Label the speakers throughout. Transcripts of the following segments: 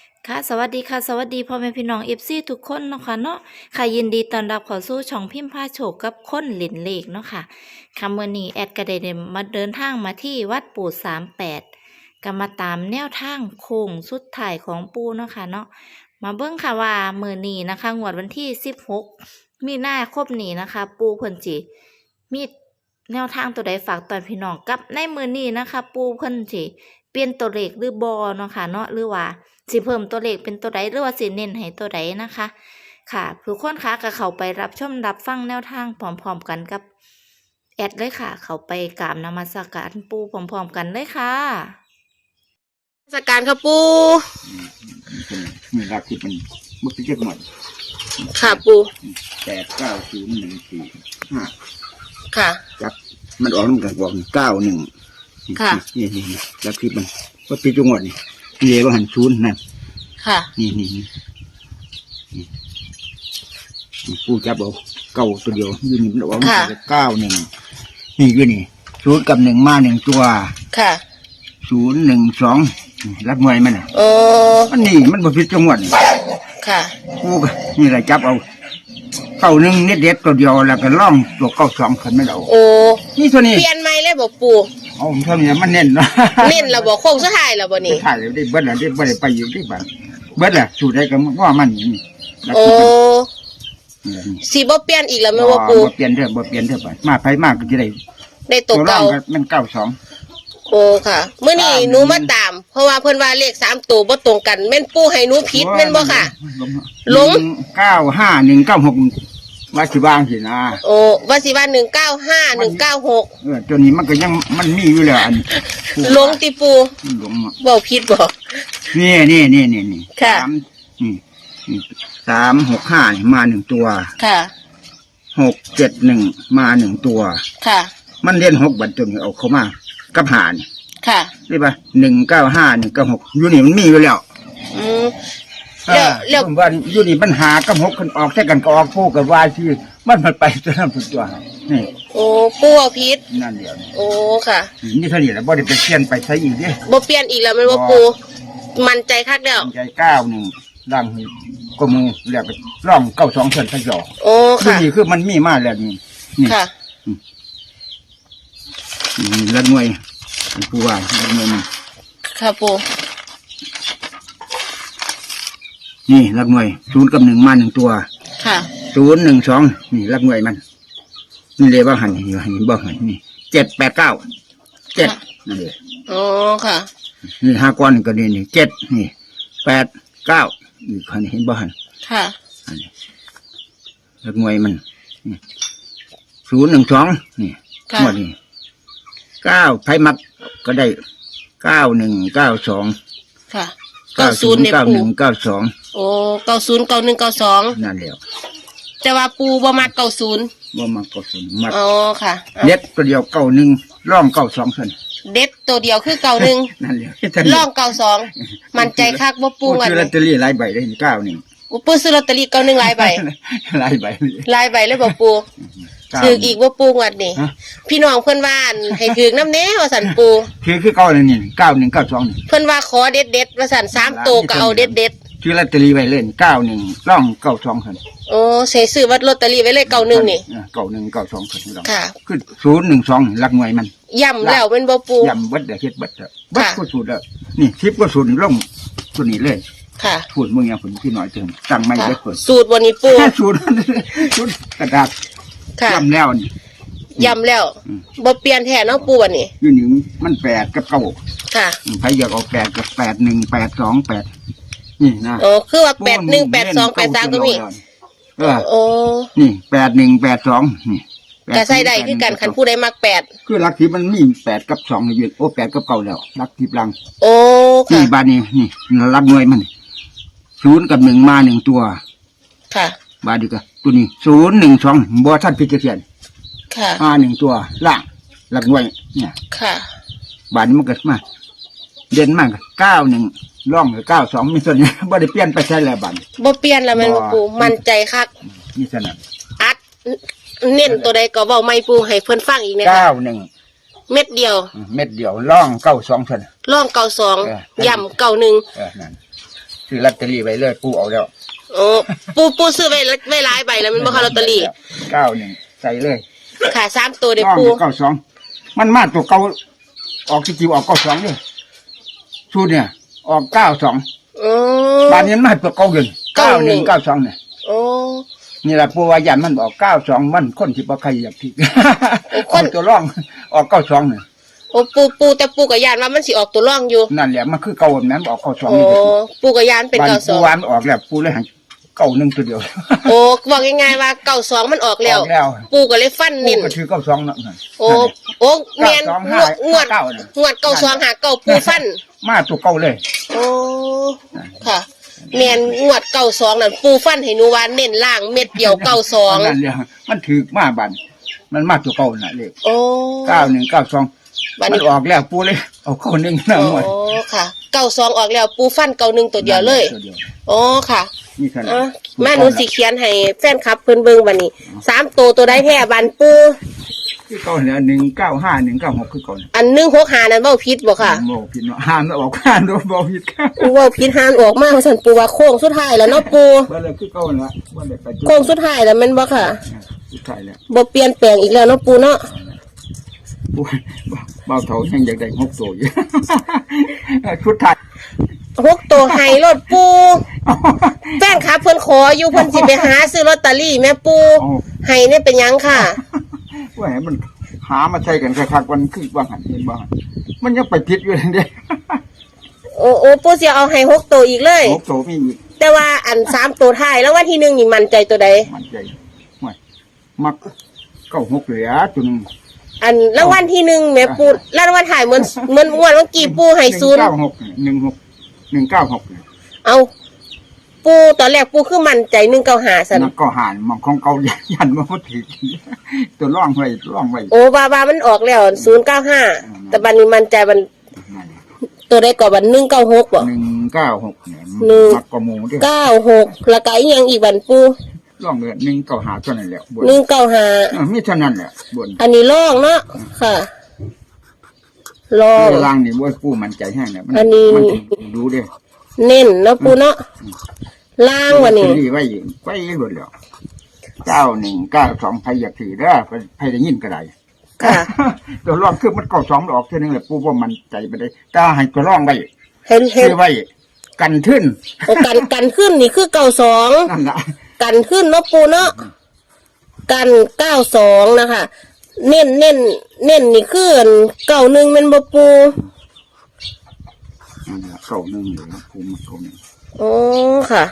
Speaker 1: ค่ะสวัสดีค่ะสวัสดีพ่อแม่พี่น้องเอฟซีทุกคนเนาะค่ะเนาะค่ะยินดีต้อนรับเข้าสู่ช่องพิมพ์ผ้าโชคกับคนหลินเลขเนาะค่ะค่ะมื้อนี้แอดก็ได้มาเดินทางมาที่วัดปู่38ก็มาตามแนวทางโค้งสุดท้ายของปู่เนาะค่ะเนาะมาเบิ่งค่ะว่ามื้อนี้นะคะงวดวันที่16มีนาคมนี้นะคะ ปู่เพิ่นสิมีแนวทางตัวใดฝากตอนพี่น้องกับในมื้อนี้นะคะ ปู่เพิ่นสิเปลี่ยนตัวเลขหรือบ่เนาะค่ะเนาะหรือว่าสิเพิ่มตัวเลขเป็นตัวใดหรือว่าสิเน้นให้ตัวใดนะคะ ค่ะผู้คนคะก็เข้าไปรับชมรับฟังแนวทางพร้อมๆกันกับแอดเลยค่ะ เข้าไปกราบนมัสการปู่พร้อมๆกันเลยค่ะ
Speaker 2: สการค่ะปู
Speaker 3: มีรักที่เป็นมุกที่เจ็ดหมด
Speaker 2: ค่ะปู
Speaker 3: 890145
Speaker 2: ค่ะ
Speaker 3: จับมันออกน้ำกันบอก91
Speaker 2: ค่ะ
Speaker 3: นี่รักที่มันว่าปีจังหวัดนี่เย่ว่าหันศูนย์นั่น
Speaker 2: ค่ะ
Speaker 3: นี่ผู้จับเอาเก้าตัวเดียวยืนนี่มันออกมา91นี่ยืนนี่ศูนย์กับ1มา1ตัว
Speaker 2: ค่ะ
Speaker 3: 012รับหน่วยมัน
Speaker 2: โอ้
Speaker 3: มันนี่มันบ่ผิดจังหวัด
Speaker 2: ค่ะ
Speaker 3: ผู้นี่แหละจับเอา91เน็ตตัวเดียวแล้วก็ล่องตัว92ขึ้นไม่เอา
Speaker 2: โอ้
Speaker 3: นี่ตัวนี้
Speaker 2: เปลี่ยนใหม่เลยบอกปู
Speaker 3: เอาเท่านี้มันเน้นเนาะ
Speaker 2: เน้นเราบอกโค้งสุดท้ายแล้วบ่นี่
Speaker 3: ถ่ายได้เบิดแล้วได้บ่ได้ไปอยู่ที่บ้านเบิดแล้วสูตรได้ก็ว่ามันนี่
Speaker 2: โอ้สิบ่เปลี่ยนอีกแล้วแม่ว่าปู
Speaker 3: บ่เปลี่ยนเด้อไปมาไผมากก็สิ
Speaker 2: ได้ตกเก่า
Speaker 3: มัน92
Speaker 2: โอ้ค่ะมื้อนี้หนูมาตามเพราะว่าเพิ่นว่าเลข3ตัวบ่ตรงกันแม่นปูให้หนูผิดแม่นบ่ค่ะหลง
Speaker 3: 95196ว่าสิวางสินะ
Speaker 2: โอ้ว่าสิว่า195196
Speaker 3: ตัวนี้มันก็ยังมันมีอยู่แล้วอัน
Speaker 2: หลงติปู
Speaker 3: หลง
Speaker 2: บ่ผิดบ่
Speaker 3: นี่
Speaker 2: ค่ะ
Speaker 3: นี่365มา1ตัว
Speaker 2: ค่ะ
Speaker 3: 671มา1ตัว
Speaker 2: ค่ะ
Speaker 3: มันเรียน6บัดจนเอาเข้ามากับหาร
Speaker 2: ค่ะ
Speaker 3: นี่ป่ะ195196อยู่นี่มันมีอยู่แล้วแล้วว่าอยู่นี่ปัญหากับ6คนออกแค่กันก็ออกคู่กับว่าที่มันไปตัวนั้นตัวนี่
Speaker 2: โอ้ปูเอาผิด
Speaker 3: นั่นเดียว
Speaker 2: โอ้ค่ะ
Speaker 3: นี่เท่านี้แหละบ่ได้ไปเปลี่ยนไปใช้อีกเด้
Speaker 2: บ่เปลี่ยนอีกแล้วมันว่าปูมั่นใจคักแล้ว
Speaker 3: ใจ91ดังก็มูแล้วไปร่อง92เพิ่นซะจ่อ
Speaker 2: โอ้ค่ะ
Speaker 3: นี่คือมันมีมาแล้วนี่
Speaker 2: ค่ะ
Speaker 3: ละหน่วยผู้ว่าละหน่วยนี่
Speaker 2: ค่ะปู
Speaker 3: นี่ละหน่วย0กับ1มา1ตัว
Speaker 2: ค่ะ
Speaker 3: 012นี่ละหน่วยมันนี่เลยว่าหันอยู่หันบ่หันนี่789 7นั่นเอง
Speaker 2: อ๋อค่ะ
Speaker 3: นี่5ก้อนก็นี่7นี่89นี่คันเห็นบ่หัน
Speaker 2: ค่ะ
Speaker 3: ละหน่วยมัน012นี่หมดนี่9ไผมักก็ได้9192
Speaker 2: ค่ะ90เนี่ยปู
Speaker 3: 9192
Speaker 2: โอ้909192
Speaker 3: นั่นแล้ว
Speaker 2: แต่ว่าปูบ่มัก90
Speaker 3: บ่มัก90มัก
Speaker 2: อ๋อค่ะ
Speaker 3: เด็ดตัวเดียว91ร่อง92ซั่น
Speaker 2: เด็ดตัวเดียวคือ91
Speaker 3: นั่นแหละ
Speaker 2: ร่อง92มั่นใจคักบ่ปูกัน
Speaker 3: ลอตเตอรี่หลายใบได้91
Speaker 2: ปูซื้อลอตเตอรี่91หลายใบ
Speaker 3: หลายใบ
Speaker 2: เลยบ่ปูถืออีกว่าปูงัดนี่พี่น้องเพื่อนว่าให้ถือน้ำแน่ว่าสันปู
Speaker 3: คือเก่าเลยนี่9192นี่
Speaker 2: เพื่อนว่าขอเด็ดว่าสัน3ตัวก็เอาเด็ด
Speaker 3: คือลอตเตอรี่ไว้เล่น91ร่อง92คั่น
Speaker 2: โอ้เสียซื้อวัดลอตเตอรี่ไว้เลย91นี่
Speaker 3: 9192คั่น
Speaker 2: ค่ะ
Speaker 3: คือ012หลักหน่วยมัน
Speaker 2: ย่ำแล้วเป็นบ่ปู
Speaker 3: ย่ำเบิดเฮ็ดเบิดก็สูตรแล้วนี่10ก็สูตรลงตัวนี้เลย
Speaker 2: ค่ะ
Speaker 3: พูดมึงอย่างคนพี่น้อยเติมตั้งไม่ได้เปิด
Speaker 2: สูตรบ่นี้ปู
Speaker 3: สูตรกระดาษย่ำแล้วนี่
Speaker 2: ย่ำแล้วบ่เปลี่ยนแท้เนาะปูบัดนี้
Speaker 3: อยู่นี่มัน8กับ9
Speaker 2: ค่ะ
Speaker 3: ใครอยากเอา8กับ8182นี่นะ
Speaker 2: โอ้คือว่า818283ก็มีโอ้
Speaker 3: นี่8182นี่
Speaker 2: ก็ใส่ได้คือกันคันผู้ใดมัก8
Speaker 3: คือหลักที่มันมี8กับ2อยู่โอ้8กับ9แล้วหลักที่ลัง
Speaker 2: โอ้ค่ะ
Speaker 3: นี่บาดนี้นี่หลักหน่วยมัน0กับ1มา1ตัว
Speaker 2: ค่ะ
Speaker 3: บาดนี้ก็ตัวนี้012บ่ทันพิจารณา
Speaker 2: ค่ะ
Speaker 3: มา1ตัวล่างหลักหน่วยเนี่ย
Speaker 2: ค่ะ
Speaker 3: บาดนี้มันก็มาเด่นมาก91ร่อง92มีส่วนนี้บ่ได้เปลี่ยนไปใช้แล้วบาด
Speaker 2: บ่เปลี่ยนแล้วแม่นปูมั่นใจคัก
Speaker 3: นี่ซั่นน่ะ
Speaker 2: อัดเน้นตัวใดก็เว้าไม่ปูให้เพิ่นฟังอีกนะคะ
Speaker 3: 91
Speaker 2: เม็ดเดียว
Speaker 3: ร่อง92ซั่น
Speaker 2: ร่อง92ย่ำ91
Speaker 3: นั่นซื้อลอตเตอรี่ไว้เลยปู่เอาแล้ว
Speaker 2: โอ้ปูซื้อไว้หลายใบแล้วแมันบ่ค่ะลอตเตอรี่
Speaker 3: 91ใส่เลย
Speaker 2: ค่ะ3ตัวเด้อ
Speaker 3: ต้อง
Speaker 2: ปู
Speaker 3: 92มันมาตัวเก่าออกที่จิวออก92เด้อชุดเนี่ยออก92
Speaker 2: โอ้
Speaker 3: บ้านนี้มันมาตัวเก่าอยู่9192เนี่ย
Speaker 2: โอ้
Speaker 3: นี่แหละปู่ว่ายันมันออก92มันคนสิบ่ใครอยากผิด
Speaker 2: คน
Speaker 3: ตัวร่องออก92เนี่ย
Speaker 2: โอ้ปูแต่ปูก็ย่านว่ามันสิออกตัวร่องอยู่
Speaker 3: นั่นแหละมันคือเก่าแบบนั้นออก92
Speaker 2: โอ้
Speaker 3: นี่
Speaker 2: ปูก็ย่านเป็น
Speaker 3: บ้านปู่
Speaker 2: 92
Speaker 3: วานออกแล้วปู่เลยให้91ตัวเดียว
Speaker 2: โอ้บอกง่ายๆว่า92มันออกแล้ว
Speaker 3: ออกแล้ว
Speaker 2: ปูก็เลยฟัน
Speaker 3: ปู่
Speaker 2: เน้น
Speaker 3: ก็ถือ92เนาะ
Speaker 2: โอ้แม่นงวด
Speaker 3: 92
Speaker 2: งวด92หาเก่าปูฟัน
Speaker 3: มาตัวเก่าเลย
Speaker 2: โอ้ค่ะแม่นงวด92นั่นปูฟันให้หนูว่าเน้นล่างเม็ดเดียว
Speaker 3: นั่
Speaker 2: 92
Speaker 3: นเลยมันถือมาบันมันมาตัวเก่าน่ะเลข
Speaker 2: โอ้
Speaker 3: 9192
Speaker 2: บัด
Speaker 3: มัน
Speaker 2: นี้
Speaker 3: ออกแล้วปู่เลยเอาเข้า1นะ
Speaker 2: โอ้
Speaker 3: หมด
Speaker 2: ค่ะ92ออกแล้วปูฟัน91ตัวเดียวเลย
Speaker 3: ตัวดีว
Speaker 2: โอ้ค่ะ
Speaker 3: นี่เท่านั้น
Speaker 2: อ่ะแม่หนูสิเขียนให้แฟนคลับเพิ่นเบิ่งบัดนี้3ตัวใดแท้บันปู
Speaker 3: คือเก่าเนี่ย195 196คือเก่าเนี่ย
Speaker 2: อัน165นั่นเว้าผิดบ่ค่ะ
Speaker 3: บ่ผิดเนาะห้ามแล้วออกห้ามโดนบ่ผิดค่ะ
Speaker 2: เว้าผิดหานออกมาว่าซั่นปูว่าโค้งสุดท้ายแล้วเนาะปู
Speaker 3: บ่เลยคือเก่าน่ะบ่ได้ไปจุด
Speaker 2: โค้งสุดท้ายแล้วแม่นบ่ค่ะ
Speaker 3: สุดท้ายแล้ว
Speaker 2: บ่เปลี่ยนแปลงอีกแล้วเนาะปูเนาะ
Speaker 3: โอ้ยเบาเท่ายังอยากได้6ตัวอยู่ ชุดท้าย
Speaker 2: 6ตัวให้รถปูแฟนคลับเพิ่นขออยู่เพิ่นสิไปหาซื้อลอตเตอรี่แม่ปูให้เนี่ยเป็นหยังค่ะ
Speaker 3: ว่าให้มันหามาใช้กันคักๆวันคือว่าหันเห็นบ่หันมันยังไปผิดอยู่เลยเด้
Speaker 2: โอ้ปูสิเอาให้6ตัวอีกเลย
Speaker 3: 6ตัวมีอีก
Speaker 2: แต่ว่าอัน3ตัวท้ายแล้ววันที่1นี่มั่นใจตัวใด
Speaker 3: มันใจห่วยมัก96เหลือตัวหนึง
Speaker 2: อันรางวัลที่1แม่ปูรางวัลถ่ายเหมือนงวดเมื่อกี้ปูให้0
Speaker 3: 196
Speaker 2: เอาปูตอนแรกปูคือมั่นใจ195ซั่น
Speaker 3: นักก็หานมองของเก่ายันว่าบ่ถือตัวร่องไว้
Speaker 2: โอ้ว่ามันออกแล้ว095แต่บัดนี้มั่นใจมัน
Speaker 3: นั่น
Speaker 2: ตัวใดก็บัด196บ่
Speaker 3: 196เนี่ย
Speaker 2: หนึ่ง
Speaker 3: มักกว่าหมู่เด้อ
Speaker 2: 96แล้วก็อีหยังอีกบัดปู
Speaker 3: ร่องเดือน195เท่านั้นแหละบน
Speaker 2: 195
Speaker 3: มีเท่านั้นแหละบน
Speaker 2: อันนี้ลองเนาะค่ะลอง
Speaker 3: ล่างนี่บ่ปูมันใจแห้งเนี่ยมั
Speaker 2: อันนี้
Speaker 3: มันดูเด้อ
Speaker 2: เน้นเนาะปูเนาะล่างวันนี้
Speaker 3: ไว้หมดแล้ว9192ใครอยากถือเด้อใครได้ยินก็ได้
Speaker 2: ค่ะ
Speaker 3: ตัวร่องคือมัน92ออกเท่านึงแหละปูว่ามันใจบ่ได้แต่ให้ตัวร่องไว้
Speaker 2: เห็น
Speaker 3: ซื้อไว้กันทึ้น
Speaker 2: โอ้กันขึ้นนี่คือ92
Speaker 3: นั่นล่ะ
Speaker 2: กันขึ้นเนาะปูเนาะกัน92นะคะเน้นนี่คือ91แม่นบ่ปู
Speaker 3: นั่นล่ะเก่าหนึงอยู่นะปูมันเก่าหนึง
Speaker 2: โอ้ค่ะ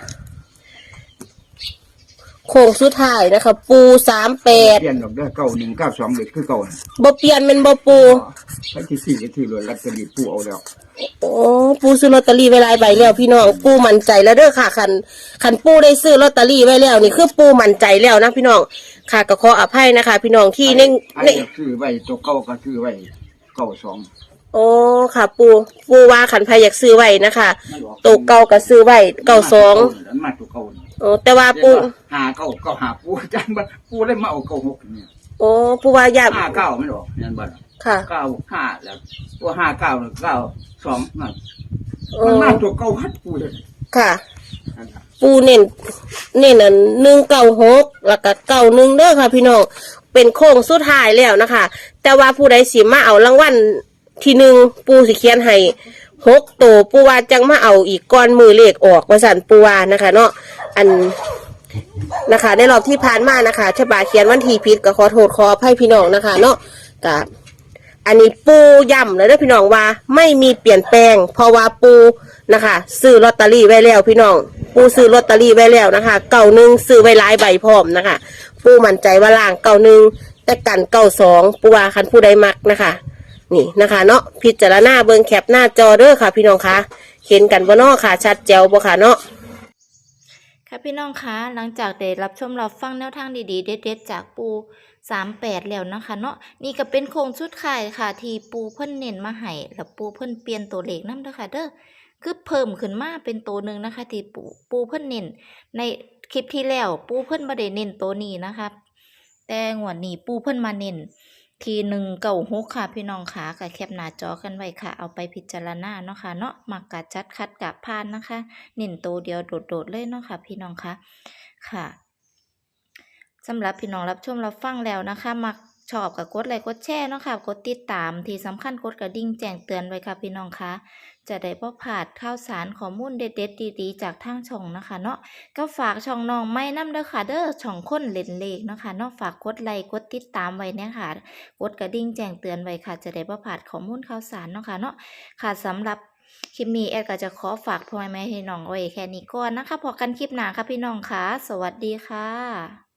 Speaker 2: โค้งสุดท้ายนะคะ ปู
Speaker 3: เปลี่ยนดอกเด้อ9192เลยคือเก่าน่ะ
Speaker 2: 38บ่เปลี่ยนแม่นบ่ปู
Speaker 3: ไปที่4ก็ที่รถลอตเตอรี่ปูเอาแล้ว
Speaker 2: โอ้ปูซื้อลอตเตอรี่ไว้หลายใบแล้วพี่น้องปูมั่นใจแล้วเด้อค่ะคันปูได้ซื้อลอตเตอรี่ไว้แล้วนี่คือปูมั่นใจแล้วนะพี่น้องค่ะก็ขออภัยนะคะ พี่น้องที่ใน
Speaker 3: ซื้อไว้ตัวเก่าก็ซื้อไว้92
Speaker 2: โอ้ค่ะปูว่าขันไพอยากซื้อไว้นะคะตัวเก่าก็ซื้อไว้92
Speaker 3: มาตัวเก่า
Speaker 2: โอ้แต่ว่าปู
Speaker 3: หาเก่าก็หาปูจังบ่ปูเลยมาเอา96เนี่ย
Speaker 2: โอ้ปูว่าอยาก
Speaker 3: 59ไม่หรอกนั่นบ่
Speaker 2: ค่ะ
Speaker 3: 95แล้วตัว59แล้ว92นั่น
Speaker 2: โอ้
Speaker 3: มันมาตัวเก่าฮัดปูเลย
Speaker 2: ค่ะ
Speaker 3: นั่นล่ะ
Speaker 2: ปูเน้นอัน196แล้วก็91เด้อค่ะ พี่น้องเป็นโค้งสุดท้ายแล้วนะคะ แต่ว่าผู้ใดสิมาเอารางวัลที่1ปูสิเขียนให้6ตัวปูว่าจังมาเอาอีกก่อนมือเลขออกว่าสั่นปูว่านะคะ เนาะอันนะคะในรอบที่ผ่านมานะคะฉบาเขียนวันที่ผิดก็ขอโทษขออภัยพี่น้องนะคะ เนาะกับอันนี้ปูย้ำเลยเด้อพี่น้องว่าไม่มีเปลี่ยนแปลง เพราะว่าปูนะคะซื้อลอตเตอรี่ไว้แล้วพี่น้องปูซื้อลอตเตอรี่ไว้แล้วนะคะ91ซื้อไว้หลายใบพร้อมนะคะปูมั่นใจว่าล่าง91แต่กัน92ปูว่าคันผู้ใดมักนะคะนี่นะคะ เนาะพิจารณาเบิ่งแคปหน้าจอเด้อค่ะ พี่น้องคะเห็นกันบ่เนาะค่ะ ชัดแจ๋วบ่ค่ะเนาะ
Speaker 1: ค่ะพี่น้องคะหลังจากได้รับชมรับฟังแนวทางดีๆเด็ดๆจากปู38แล้วนะคะเนาะนี่ก็เป็นโครงชุดขายค่ะที่ปูเพิ่นเน้นมาให้แล้วปูเพิ่นเปลี่ยนตัวเลขนำเด้อค่ะเด้อคือเพิ่มขึ้นมาเป็นตัวหนึ่งนะคะที่ปูเพิ่นเน้นในคลิปที่แล้วปูเพิ่นบ่ได้เน้นตัวนี้นะคะแต่งวดนี้ปูเพิ่นมาเน้นที196ค่ะพี่น้องค่ะก็แคปหน้าจอกันไว้ค่ะเอาไปพิจารณาเนาะค่ะเนาะมักกะจัดคัดกะพานนะคะเน้นตัวเดียวโดดๆเลยเนาะค่ะพี่น้องค่ะค่ะสำหรับพี่น้องรับชมรับฟังแล้วนะคะมักชอบกับกดไลค์กดแชร์เนาะค่ะกดติดตามที่สำคัญกดกระดิ่งแจ้งเตือนไว้ค่ะพี่น้องค่ะจะได้บ่พลาดข่าวสารข้อมูลเด็ดๆดีๆจากทางช่องนะคะเนาะก็ฝากช่องน้องไม้นำเด้อค่ะเด้อช่องคนเล่นเลขเนาะค่ะเนาะฝากกดไลค์กดติดตามไว้เนี่ยค่ะกดกระดิ่งแจ้งเตือนไว้ค่ะจะได้บ่พลาดข้อมูลข่าวสารเนาะค่ะเนาะค่ะสำหรับคลิปนี้แอดก็จะขอฝากพ่อแม่พี่น้องไว้แค่นี้ก่อนนะคะพบกันคลิปหน้าค่ะพี่น้องค่ะสวัสดีค่ะ